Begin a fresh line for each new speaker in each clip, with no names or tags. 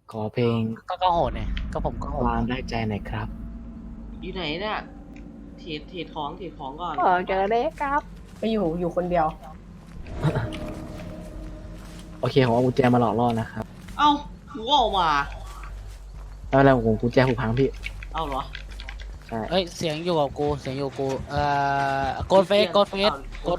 ขอเพลง
ก็โหดเนี่ยก็ผมก็โหด
วางได้ใจหน่อยครับ
อยู่ไหนเนี่ยเทรดของก่อน
เจอได้ครับไปอยู่คนเดียว
โอเคผมเอากุญแจมาหลอกล่อนะครับ
เอ้ากูก็ออกมา
แล้วอะไรผมกุญแจผูกพังพี่
เอ้าเหรอ
ใช่
เอ้ยเสียงอยู่กับกูโกดเฟส
เกตโฟส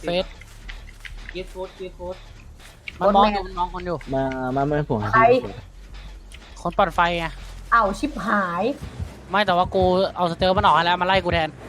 มันมองอยู่มันมองคนอยู่
มาไม่ผมครับ
ใคร
พี่
คนปัดไฟไง
อ้าวชิบหาย
ไม่แต่ว่ากูเอาสเตลมันออกให้แล้วมาไล่กูแทน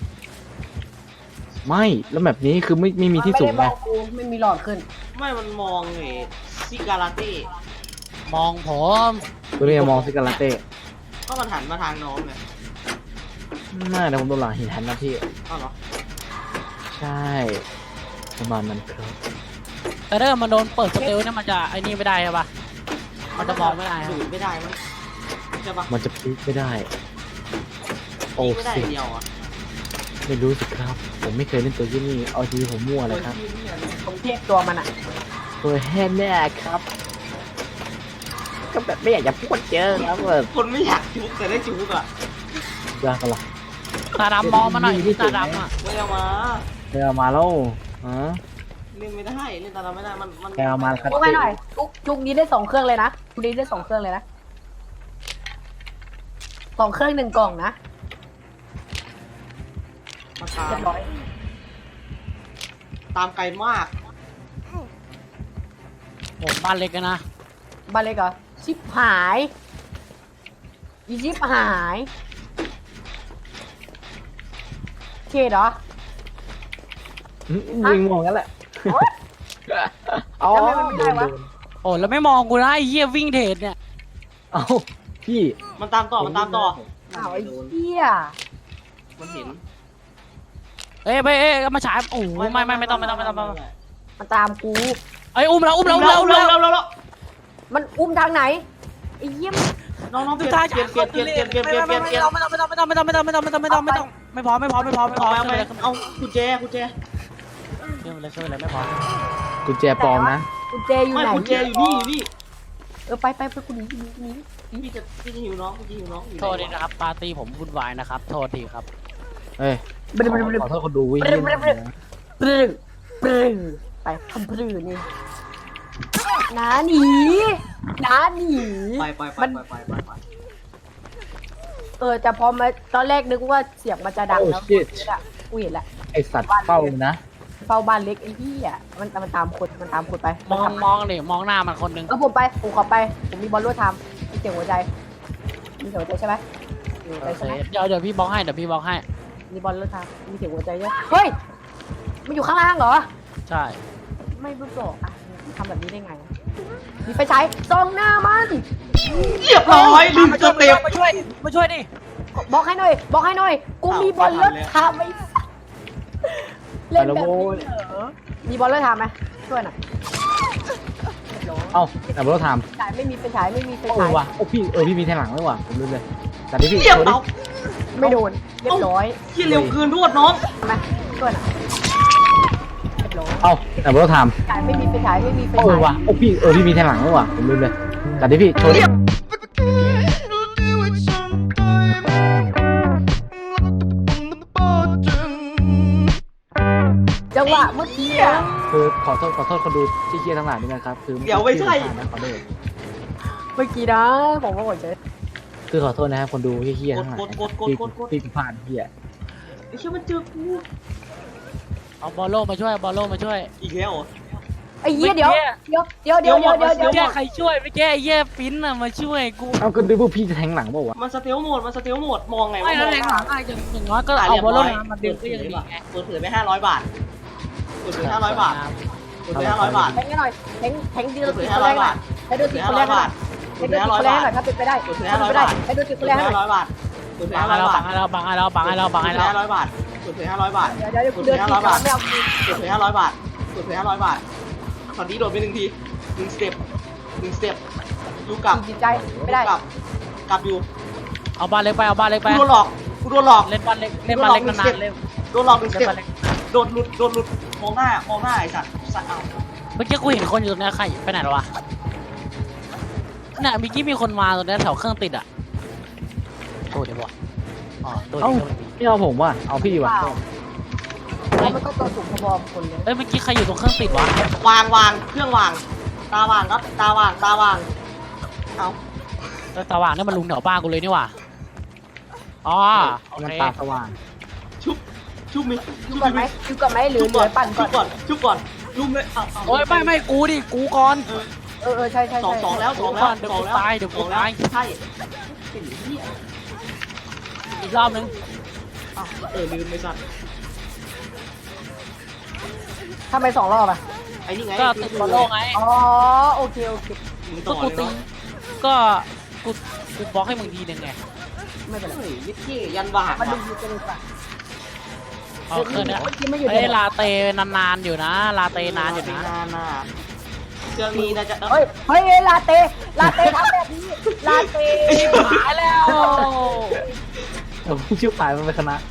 ไม่แล้วแบบนี้คือไม่มีที่สูง
ไม่
ไง
ได้บอกกูไม่มีหลอดขึ้น
ไม่มันมองไอ้ซิการาเต้
มองผม
ตัวนี้มองซิกาลาเต้
ก็มันหันมาทางน้องไง
น่าแต่ผมโดนหลังหินทันนะพี่
เอ้าเหรอ
ใช่ประมาณนั้นครับ
แต่ถ้ามันโดนเปิดสเตลเนี่ยมันจะไอ้นี่ไม่ได้ใช่ปะมันจะมองไม่ได้
ดูดไม่ได้มั้งใช่ปะ
มันจะพลิกไม่ได้ โอ้
ไม่ได้
สิ
เดียวอ่ะ
ไม่รู้สิครับ ผมไม่เคยเล่นตัวที่นี่เอาทีผมมั่วเลยครับ
ผมเทียบตัวมันอ่ะ
ตัวแห่แน่ครับ ก็แบบไม่อยากจะพูดเจอครับแบบ
คนไม่อยากจุกแต่ได้จุกอ่ะ
ยากกันละ
ตาดำมองมาหน่อยตาดำอ่ะ
ไม่เอามา
ไปเอามาแล้วฮะ
เล่นไม่ได้เล่นตาเราไม่ได้มัน
ไปเอามาครับ
จุกไปหน่อยจุกนี้ได้2 เครื่องเลยนะจุกนี้ได้2 เครื่องเลยนะ2 เครื่อง1 กล่องนะ
มาตาม
เรียบร้อย
ตามไกลมาก
ผมบ้านเล็กกันนะ
บ้านเล็กเหรอชิบหายอีชิบหายเคเหรอ
ยิงมองกันแหละเอา
ทำไมมันไม่ได้วะ
โอ้แล้วไม่มองกูนะไอ้เหี้ยวิ่งเทรดเนี่ย
เอาพี่
มันตามต่อ
อ้าวไอ้เหี้ย
มันเห็น
เอ้ยมาฉายโอ้โหไม่ต้อง
มันตามกู
เอ้ยอุ้มแล้ว
แล้ว
มันอุ้มทางไหนไอ้เหี้ย
น้องเปลี่ยน
ไม่พอไม่พอ
เอากุญแจ
ช่วยเลยไม่พอ
กุญแจปลอมนะ
กุญแจอยู่
ไม่
ไหน
กุญแจอยู่นี่
ไปกูหนี
พี่จะหิวน้องอยู่
โทษทีนะครับปาร์ตี้ผมวุ่นวายนะครับโทษทีครับ
เอ้ย
บรึบ
ขอโทษคนดูวิ่ง
ปรึไปทำปรึนี่น้าหนี
ไป
แต่พอมาตอนแรกนึกว่าเสียงมันจะดัง
โอ้
แล้ว
ชิต
กูเห็นละ
ไอสัตว์เฝ้านะ
เฝ้าบ้านเล็กไอ้ที่อ่ะมันตามคนไป
มองดิมองหน้ามันคนนึง
ผมขอไปผมมีบอลลูนทำมีเสียงหัวใจใช่ไหมมีหัวใจใช่ไหม
เดี๋ยวพี่บล็อกให้
มีบอลลูนทำมีเสียงหัวใจด้วยเฮ้ยมันอยู่ข้างล่างเหรอ
ใช่
ไม่รู้หรอกอ่ะทำแบบนี้ได้ไง มีไฟฉายส่องหน้ามัน
เรียบร้อยลืมสเต็ป
มาช่วยดิ
บอกให้หน่อย กูมีบอลรถทำไหมเล่นแบบนี้เหรอมีบอลรถทำไหมช่วยหน่อย
เอ้าแต่เราท
ฉายไม่มีไฟฉาย
ำโอ้ว่ะโอ้พี่มีแทงหลังด้วยว่ะผมลืมเลยแต่ที่พี่
เรียบร้อย
ไม่โดน เรียบร้อย
ที่เร็วเกินรวดน้อง
ทำไหมช่วยหน่อยเรียบร้อย
เอ้าแต่เราท
ฉายไม่มีไฟฉาย
ำโอ้ว่ะโอ้พี่มีแทงหลังด้วยว่ะผมลืมเลยแต่ที่พี่โชว์ดิ
จังหวะเมื่อกี้อะ
คือขอโทษคนดูที่เคียร์ทั้งหลายด้วยนะครับคือนะขอโทษ
เมื่อกี้นะผมก็หัวใจ
คือขอโทษนะครับคนดูที่เคียร์ทั้งหลายที่ผ่านเคียร์
ไอ้เชี่ยมันเจอกู
เอาบอลโลมาช่วย
อีกแล้วเหรอ
ไอ้เหี้ยเดี๋ยว
แก้ใครช่วยไม่แก้ไอ้เหี้ยฟินอะมาช่วยกู
เอาก็ดูพวกพี่จะแทงหลังเปล่าวะ
มันสเตลโหมดมองไง
ไม่แล้วแรงหลังอย่างน้อยก็เอาบอลโลมาดึงก็ยังดีไง
เปิดเผยไป500 บาทเปิดเผย500 บาทเปิดเผย500 บาท
แทงกันหน่อยแทงดี
เปิ
เรา
ดเผ
ติ
ย
ดคนแรก
500
หน่
บา
อย
ท
ให้ดูติดคนแรกหน่อยให้ดูติดคนแรกหน่อยถ้าเป็นไปได้
เปิดเผย500 บาท
ให้ดูติดคน
เปิ
แร
ด
ก
เผ
หน่อย
ย500 บาทเปิดเผย
บังให้
500 บาท
เรา
เปิดเผย500 บาทเปิดเผย500 บาท
เดี๋ยวกูเดินติดก่อนไม่เอา
เปิดเผย500 บาทเปิดเผย500 บาทตอนนี้โดดไป1 ที1 สเต็ปดูกลับ
จิตใจไม่ได้
กลับอยู่
เอาบ้านเล็กไป
กูโดนหลอก
เล่นบ้านเล็กนานๆเล่น
โดนหลอก1 ส
เล่น
เต็ป
บ้านเล็ก
โดนหลุดมองหน้าไอ้สัตว์เอา
เมื่อกี้กูเห็นคนอยู่ตรงนี้ใครไปไหนหรอวะน่ะเมื่อกี้มีคนมาตรงนี้แถวเครื่องติดอ่ะโทษเดี๋ยวบอกอ๋อตัว
เอ้า
เดียว
ไม่เอาผมว่ะเอาพี่ว่ะ
เพราะมันก็ตัวสูงพอๆคนเลย
เอ้ยเมื่อกี้ใครอยู่ตรงเครื่องติดวะ
วางเครื่องวางตาวางครับตาวางเอา
เออตาว่างนี่มันลุงแถวบ้านกูเลยนี่หว่าอ๋อโอ
มัน
เค
ตาสว่าง
ชุบมิ
อยู่ก่อนไหมอยู่ก่อนไหมหรือเหลือปั่นก่อน
ชุบก่อนลุมเลยเอา
โอ้ยไม่กูดิกูก่อน
ใช่ใช่
สองแล้ว
เดี๋ยวกูตายเดี๋ยวกูตาย
ใช่เป็นเหี้ย
อีกรอบนึง
อ้าวลืมไปสัตว์
ทำไม2 รอบอ่ะ
ไอ้นี่ไง
ก็ติดบอลโลกไง
อ๋อโอเค
มึง
ก็
ต่อ
กู
เลย
ตี
เนาะ
ก็กูบล็อกให้มึงทีนึงไง
ไม่เป็นไร
เฮ้ยยิดเกี้ยันวาง
มาดู
ว่ะ
กันดีกว่า
เอาเครื่องเนี้ย
เมื่อกี้ไม่อยู่
เอ้ยลาเตนานๆอยู่นะ ลาเตนานอยู่นะ
นานน่ะเครื่องนี้นะจะ
เฮ้ยลาเต้ทำแบบนี้ลาเต้
หายแล้ว
ผมชื่อปลายมันเป็นคณะ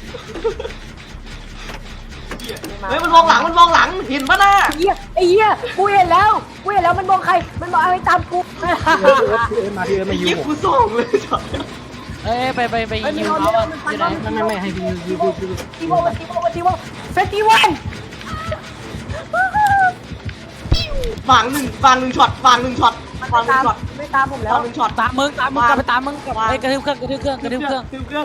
เฮ้ยมันมองหลังเห็นปะน่ะ
ไอ้เหี้ยกูเห็นแล้วมันมองใครมันมองอะไรตามกู
พี่เอิร์ธมาพี่เอิร์ธมายู
ยิบ
ผม
กูส่งเลยจ้ะ
เอ้ยไปยิงเขาอะอยู่ไหน
ไม่ให้พี่ยู
ทีโวเฟสติวัล
วางหนึ่งช็อต
ไม่ตามผมแล้ว
ช็อต
ตามมึงกลับไปตามมึงกลับ
วาง
เอ้ยกระทืบเครื่อง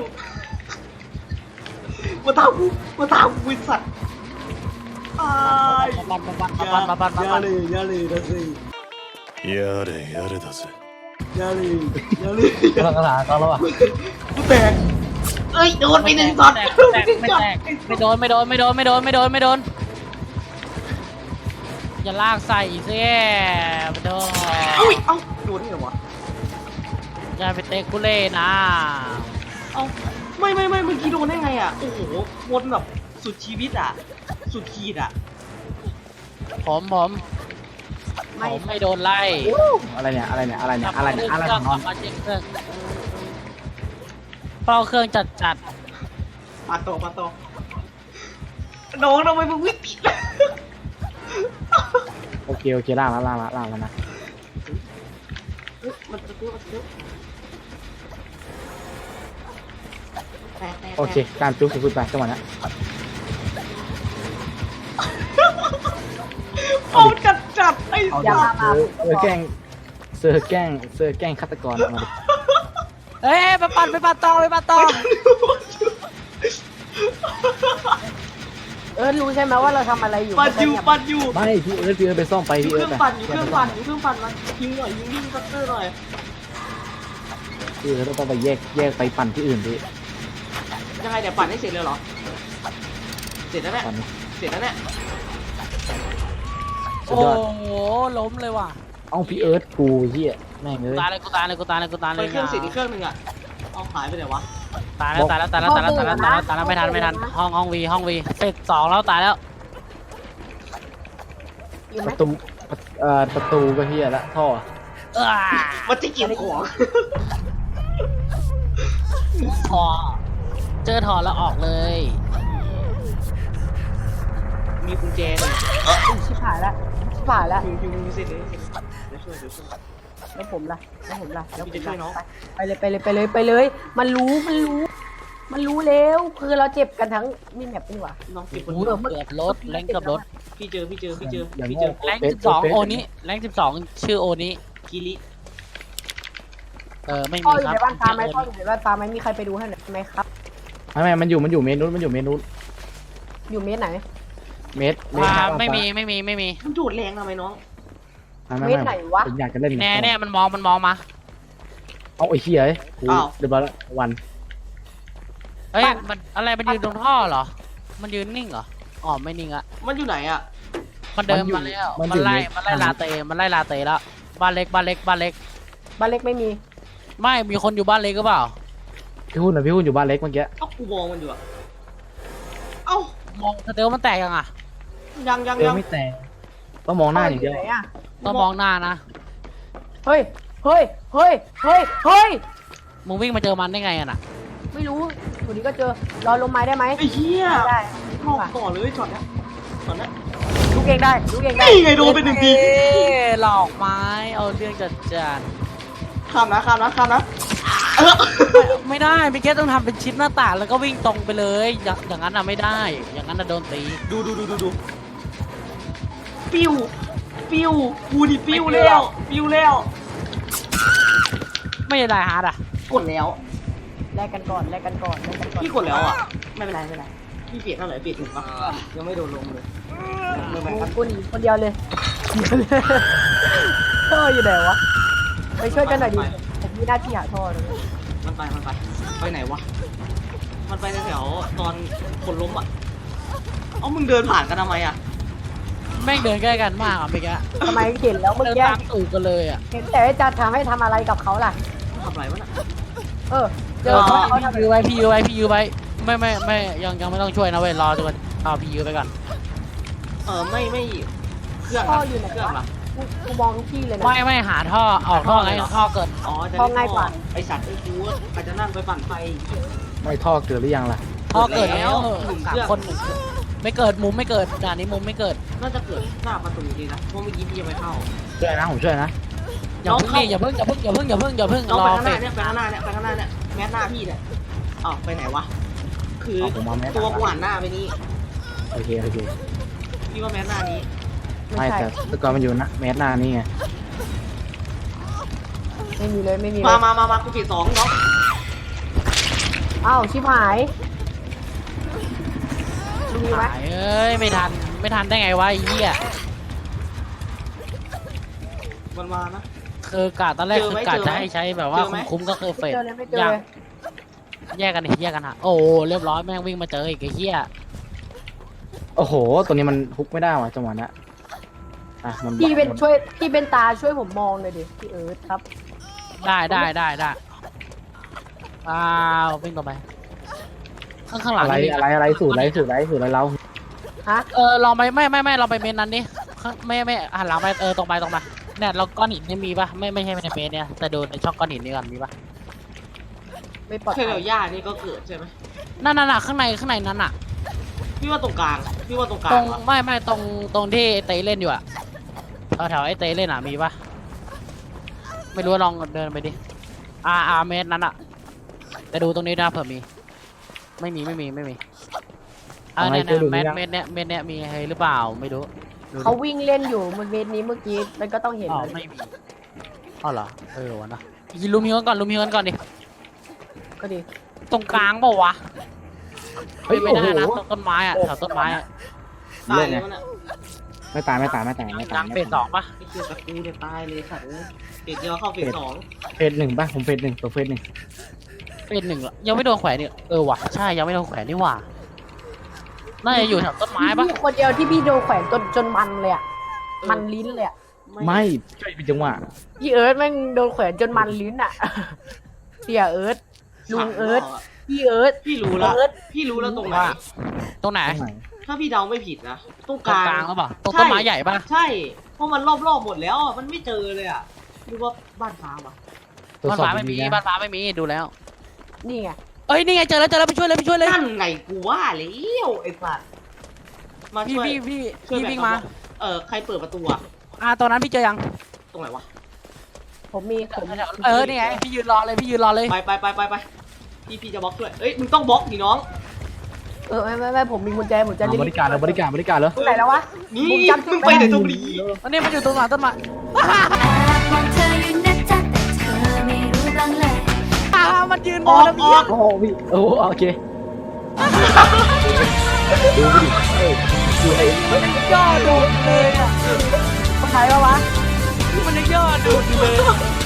มาตามกูไอ้สัตว์อ้าย
มาปัน
อย่าเลยนะสิ
やれだぜ
อย่าเลย
กำลังกระถางเขาแล้วอ่ะ
กูแตกเอ้ยโดนไปหนึ่งช็อต
ไม่โดนอย่าลากใส่สิโดน
อุ้ยเอ้าโดนนี่เหรอวะ
อย่าไปเตะกูเล่นะ
เอ้าไม่เมื่อกี้โดนได้ไงอ่ะโอ้โหวนแบบสุดชีวิตอ่ะสุดขีดอ่ะ
ผมไม่โดนไล่
อะไรเนี่ยของนอน
มาเช็คเครื่องเป้าเครื่องจัด
ปาโตน้องทำไมมึงวิ่งติด
โอเคล่างแล้วนะ
มันจะเยอะแตก
โอเคการจุ๊บสุดไปจังหวะนี้
เอาจัดไอ้
เอา
สั
ดิ
ตว์
เซอร์แกล้งฆาตกรมาดิ
เอ้ยไปปัดต่อ
รู้ใช่ไหมว่าเราทำอะไรอยู่
ปัดอยู่
ไม่พี่เอิร์ธไปซ่อมไป
อยู่
พี่
เค
เอิ
รื่
ร์
อ
ธ
งปั่นอยู่เครื่องปั่นมายิงหน่อยยิงซัตเตอร์หน่อย
พี่เอิร์ธต้องไปแยกไปปั่นที่อื่นดิ
ยังไงเดี๋ยวปั่นให้เสร็จเลยเหรอเสร็จแล้วเนี่ย
ปั่น
เสร็จแล้วเนี่ย
สุด
โอ้
ยอด
โหล้มเลยว่ะ
เอ้าพี่เอิร์ธกูเฮียแม่งเลย
ตายเลย
ไปเครื่องเสร็จอีกเครื่องนึงอ่ะเอาหายไปไหนวะ
ตายแล้วไม่ทันห้องวีเสร็จ2แล้วตายแล้ว
อยู่ไหม
ประตูก็เฮียละท่อ
มันจะเก็บของ
ถอเจอถอแล้วออกเลย
มีกุญแจหนึ่ง
ชิบหายแล้ว
อยู่เสร็จเลยเดี๋ยวช่วย
แล้วผมล่ะแล้ว
พี่จะช่วยน้อง
ไปเลย มันรู้แล้วคือเราเจ็บกันทั้งมีแมปนี่หว่า
น้องเก็บคน
โอ้
เดียว
เกือบรถแรงเกือบรถ
พี่เจอ
อย่าง
พี่
โง่
เจอ
แรง12โอนี้แรง12ชื่อโอนี้
กิริ
ไม่
พ่อ
มี
อยู่
ครับ
ในบ้านฟ้าไหมมีใครไปดูให้หน่อยไหมครับ
ไม่มันอยู่เมนูน
อยู่เมตรไหน
เมตร
ไม่มี
มันดูดแรงทำไมน้อง
ผมอยากจะเล่น
แน่มันมองมา
เอาไอ้เฮียกูเดี๋ยววัน
เฮ้ยมันอะไรมันยืนตรงท่อเหรอมันยืนนิ่งเหรออ๋อไม่นิ่งอะ
มันอยู่ไหนอ่ะ
มันเดินมาแล้วมันไล่ลาเตแล้วบ้านเล็ก
บ้านเล็กไม่มี
ไม่มีคนอยู่บ้านเล็กก็เปล่า
พี่หุ่นอยู่บ้านเล็กเมื่อกี้
เอ้ากูมองมันอยู่อะเอ้าม
องสเตลมันแตกยังอ่ะ
ยัง
ไม่แต่ต้องมองหน้าอย่างเดียว
ไหนอะ
ต้องมองหน้านะ
เฮ้ย
มึงวิ่งมาเจอมันได้ไงอ่ะน่ะ
ไม่รู้อยู่ดีก็เจอรอลงไม้ได้ไหม
ไอ้เหี้ย
ได้
เข้าต่อเลยช็อตเนี้ย
ลูกเองได้
นี่ไงโดนไปหนึ่งที
หลอกไม้เอาเรื่องจัด
ข้ามนะ
ไม่ได้พี่เกตต้องทำเป็นชิ้นหน้าต่างแล้วก็วิ่งตรงไปเลยอย่างนั้นอะไม่ได้ อย่างนั้นอะโดนตี
ดูปิ้วกูดิปิ้วแล้ว
ไม่ได้ฮาร์ดอะ
กดแล้ว
แลกกันก่อน
พี่กดแล้วอ่ะไม่เป็นไรพี่เปลี่ยนเท่าไหร่เปลี่ยน1 ปะยังไม่โดนลงเลยมือแบงค์
กูหนีคนเดียวเลยท่ออยู่ไหนวะไปช่วยกันหน่อยดิผมมีหน้าที่หาท่อเลย
มันไปไหนวะมันไปแถวตอนคนล้มอ่ะมึงเดินผ่านกันทำไมอ่ะ
แม่งเดินใกล้กันมากอะพี่แก
ทำไมเห็นแล้วเมื่อ
เดิน
กี้
ตามตูดกันเลยอะ
เห็นแต่จะทำให้ทำอะไรกับเขาล่ะ
ทำไรวะน่ะ
เออเจอเขาทำ
พี่ยื้อไว้ไม่ยังไม่ต้องช่วยนะเว้ยรอจนเอาพี่ยื้อไปก่อน
ไม่เครื่อง
ท่ออยู่ไหน
เครื่อง
วะ
ล่ะ
กูมองทุกที่เลยนะ
ไม่หาท่อออกท่อไงท่อเกิด
จะ
ท่อง่ายกว่า
ไอสัตว์ไอ้กูอาจจะนั่งไปปั่นไฟ
ไม่ท่อเกิดหรือยังล่ะ
ท่อเกิดแล้ว
หนุ่ม
สา
เค
ม
รื่อง
คนไม่เกิดมุมไม่เกิดด่านนี้มุมไม่เกิด
น่าจะเกิดหน้าประตูดีนะเพราะเมื่อกี้พี่ยังไม่เข้า
ช่วยนะผมช่วยนะ
อย่าเพิ่งนี่อย่าเพิ่ง
น้อง
รอ
ไป
เฟ
ข้างหน้า
ส
เนี่ยไปข้างหน้าเนี่ยแมสหน้าพี่เนี่ยไปไหนวะคือ
ผมมาแมส
ตัวกูหันหน้าไปนี่
โอเค
พี่ว่าแมสหน้านี้
ไม่
ใช่
แต่ก่อนมันอยู่นะแมสหน้านี่ไง
ไม่มีเลย
มากูปิด2น้อง
อ้าวชิบหายมีไหม
เอ้ยไม่ทันได้ไงวะไอ้เหี้ย
มันมานะ
คือกะตอนแรกคือกะจะให้ใช้แบบว่าคุ้มก็คือเฟ
ไม่
ส
เจอเลยไม่เจอ
อยาก
เลย
แยกกันฮะโอ้เรียบร้อยแม่งวิ่งมาเจออีกไอ้เหี้ย
โอ้โหตัวนี้มันฮุกไม่ได้ว่ะจังหวะนั้นอ่ะมัน
พี่เป็นตาช่วยผมมองเลยดิพี่เอิร์ธครับ
ได้วิ่งต่อไปข้างหลัง
อะไรสูตรอะไรเรา
ฮะ
เราไม่เราไปเมนนั้นดิไม่หันหลังไปตรงไปเนี่ยเราก้อนหินนี่มีปะไม่ใช่ในเมนเนี่ยแต่ดูในช่องก้อนหินนี่ก่อนมีปะ
ไม่ปลอด
เค
ภั
ย
ย
เดี๋ยวย่านี่ก็เกิดใช่ไหม
นั่นข้างในนั้นอ่ะ
พี่ว่าตรงกลางวะ
ไม่ตรงที่เตยเล่นอยู่อะแถวไอ้เตยเล่นอะมีปะไม่รู้ลองเดินไปดิเมตรนั้นอะแต่ดูตรงนี้นะเผื่อมีไม่มีเนี่ยเมตรเนี่ยมีให้หรือเปล่าไม่รู้
เขาวิ่งเล่นอยู่บนเวทนี้เมื่อกี้มันก็ต้องเห็น
อ๋อ
เลย
ไม่มีเหรอวะนะลุมฮิวกันก่อนดิ
ก็ดี
ตรงกลางเปล่าวะ
เฮ้ย
ไม่
โอ้
ได้
โห
นะตรงต้นไม้อะแถวต้นไม้อะ
ตายเลยมันอ่ะ
ไม่ตาย
กลางเฟส2ปะ
ไอ้เกียร์ตะกูเนี่ยตายเลยสัตว์เฟสเดียวเข้าเฟส
เฟส 1ป่ะผมเฟส 1ตัวเฟส 1
เฟส 1เหรอยังไม่โดนแขวนนี่ว่ะใช่ยังไม่โดนแขวนนี่ว่ะน่าจะอยู่แถวต้นไม้ปะ
พี่คนเดียวที่พี่โดนแขวนจนมันเลยอ่ะมันลิ้นเลยอ่ะ
ไม่ช่วยเป็นจังหวะ
พี่เอิร์ธแม่งโดนแขวนจนมันลิ้นอ่ะเสียเอิร์ธลุงเอิร์ธพี่เอิร์ธ
พี่รู้แล้วตรงไหน
ตรงไหน
ตรงไหน
ถ้าพี่เดาไม่ผิดนะตรง
ต
ก
รง
ลาง
กลางหรือเปล่าตรงต้นไม้ใหญ่ปะ
ใช่เพราะมันรอบหมดแล้วมันไม่เจอเลยอ่ะหรือว่าบ้านฟ้าวะ
ตรวจ
บ้าน
สอบ
ฟ้าไม่มี
ดีๆ
บ้า
นะ
นฟ้าไม่มีดูแล้ว
นี่ไง
เอ้ยนี่ไงเจอแล้วไปช่วยเลย
นั่นไงกูว่าแล้วไอ้สัตว์มาช่วย
พี่วิ่งมา
ใครเปิดประตูอ่ะ
ตอนนั้นพี่เจอยัง
ตรงไหนวะ
ผม
นี่ไงพี่ยืนรอเลย
ไปพี่จะบล็อกด้วยเอ้ยมึงต้องบล็อกดิน้อง
ไม่ผมมีกุญแจผมจะ
บริการแล้ว
ตรงไหนแล้ววะ
นี่
ผมจำจุ
มึ
ด
งไปไหนตรงนี้
ตอนนี้มันอยู่ตรงหลังต้นไม้
มองเธออยู่นะจ๊ะแต่เธอไม่รู้บ้างเลย
มันยืน
อ
มอ
อง ก
แล้ว
อ
พี่
อก
โอ้โหพี่โอ้โหโอเคดูดิเฮ้ยดูไอ้
มันย่อดูเลยอ่ะ
คนไหนวะ
มันย่อดูเลย